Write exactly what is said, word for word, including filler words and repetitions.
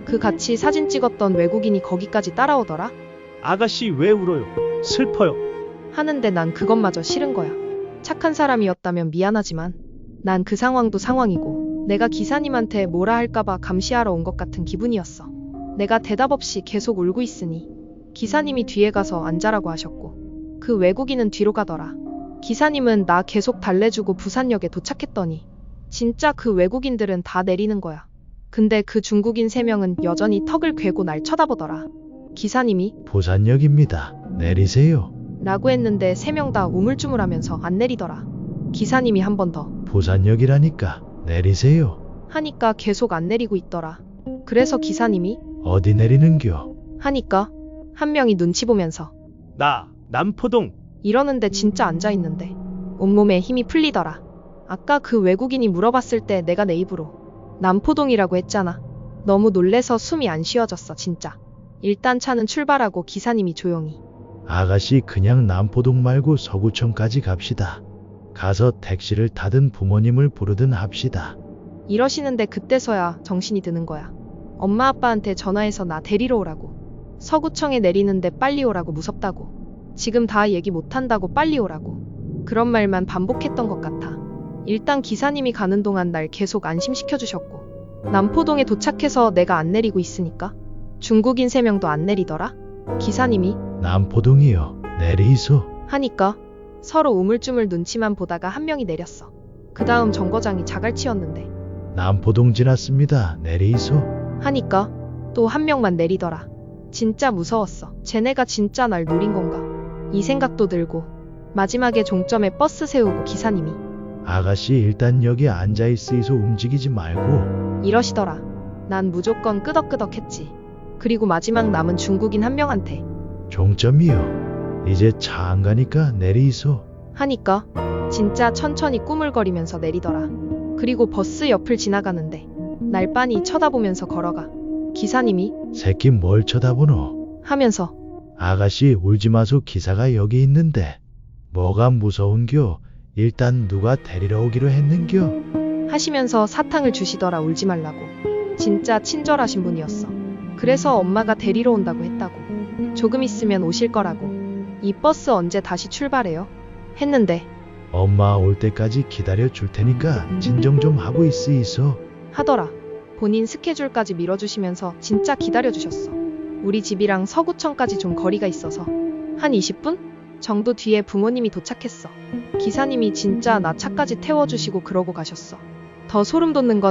그 같이 사진 찍었던 외국인이 거기까지 따라오더라. 아가씨 왜 울어요? 슬퍼요. 하는데 난 그것마저 싫은 거야. 착한 사람이었다면 미안하지만 난 그 상황도 상황이고 내가 기사님한테 뭐라 할까봐 감시하러 온 것 같은 기분이었어. 내가 대답 없이 계속 울고 있으니 기사님이 뒤에 가서 앉아라고 하셨고 그 외국인은 뒤로 가더라. 기사님은 나 계속 달래주고 부산역에 도착했더니 진짜 그 외국인들은 다 내리는 거야. 근데 그 중국인 세 명은 여전히 턱을 괴고 날 쳐다보더라. 기사님이 부산역입니다. 내리세요. 라고 했는데 세 명 다 우물쭈물하면서 안 내리더라. 기사님이 한 번 더 부산역이라니까 내리세요. 하니까 계속 안 내리고 있더라. 그래서 기사님이 어디 내리는겨? 하니까 한 명이 눈치 보면서 나 남포동. 이러는데 진짜 앉아있는데 온몸에 힘이 풀리더라. 아까 그 외국인이 물어봤을 때 내가 내 입으로 남포동이라고 했잖아. 너무 놀래서 숨이 안 쉬어졌어 진짜. 일단 차는 출발하고 기사님이 조용히 아가씨 그냥 남포동 말고 서구청까지 갑시다. 가서 택시를 타든 부모님을 부르든 합시다. 이러시는데 그때서야 정신이 드는 거야. 엄마 아빠한테 전화해서 나 데리러 오라고. 서구청에 내리는데 빨리 오라고 무섭다고. 지금 다 얘기 못한다고 빨리 오라고. 그런 말만 반복했던 것 같아. 일단 기사님이 가는 동안 날 계속 안심시켜주셨고 남포동에 도착해서 내가 안 내리고 있으니까 중국인 세 명도 안 내리더라. 기사님이 남포동이요. 내리소. 하니까 서로 우물쭈물 눈치만 보다가 한 명이 내렸어. 그 다음 정거장이 자갈치였는데 남포동 지났습니다. 내리소. 하니까 또 한 명만 내리더라. 진짜 무서웠어. 쟤네가 진짜 날 노린 건가? 이 생각도 들고 마지막에 종점에 버스 세우고 기사님이 아가씨 일단 여기 앉아있으이소. 움직이지 말고. 이러시더라. 난 무조건 끄덕끄덕했지. 그리고 마지막 남은 중국인 한 명한테 종점이요. 이제 차 안 가니까 내리소. 하니까 진짜 천천히 꾸물거리면서 내리더라. 그리고 버스 옆을 지나가는데 날 빤히 쳐다보면서 걸어가. 기사님이 새끼 뭘 쳐다보노? 하면서 아가씨 울지 마소. 기사가 여기 있는데. 뭐가 무서운겨? 일단 누가 데리러 오기로 했는겨? 하시면서 사탕을 주시더라. 울지 말라고. 진짜 친절하신 분이었어. 그래서 엄마가 데리러 온다고 했다고. 조금 있으면 오실 거라고. 이 버스 언제 다시 출발해요? 했는데 엄마 올 때까지 기다려 줄 테니까 진정 좀 하고 있으이소. 하더라. 본인 스케줄까지 밀어주시면서 진짜 기다려주셨어. 우리 집이랑 서구청까지 좀 거리가 있어서 한 이십 분 정도 뒤에 부모님이 도착했어. 기사님이 진짜 나 차까지 태워주시고 그러고 가셨어. 더 소름 돋는 건